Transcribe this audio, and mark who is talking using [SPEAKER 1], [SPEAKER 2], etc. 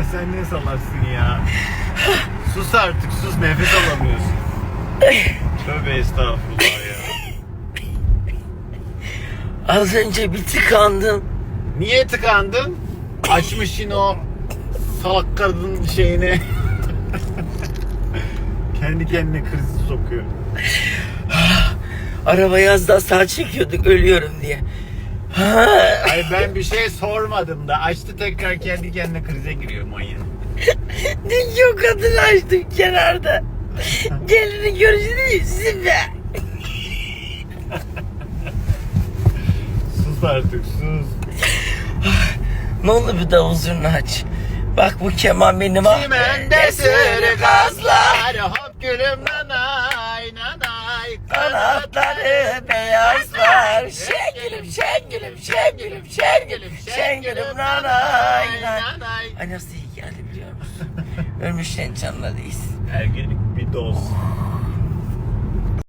[SPEAKER 1] sen ne salaksın ya. Sus artık, sus, nefes alamıyorsun. Tövbe estağfurullah ya.
[SPEAKER 2] Az önce bir tıkandım.
[SPEAKER 1] Niye tıkandın? Açmışsın o salak kadın şeyini. Kendi kendine kriz sokuyor.
[SPEAKER 2] Arabayı az daha sağ çekiyorduk ölüyorum diye.
[SPEAKER 1] Ay ben bir şey sormadım da açtı tekrar kendi kendine krize giriyor manyak.
[SPEAKER 2] Dünkü o kadını açtım kenarda. Gelini görüşünü yüzüm be.
[SPEAKER 1] Sus artık, sus.
[SPEAKER 2] Ne olur bir davul zurna aç. Bak bu keman benim
[SPEAKER 1] Çimende sürü gazlar, hop gülüm nanay nanay.
[SPEAKER 2] Kanatları beyazlar. Şengülüm şengülüm şengülüm şengülüm şengülüm nanay nanay. Ay nasıl iyi geldi biliyor musun? Ölmüşlerin canına değilsin.
[SPEAKER 1] Ergenlik bir doz.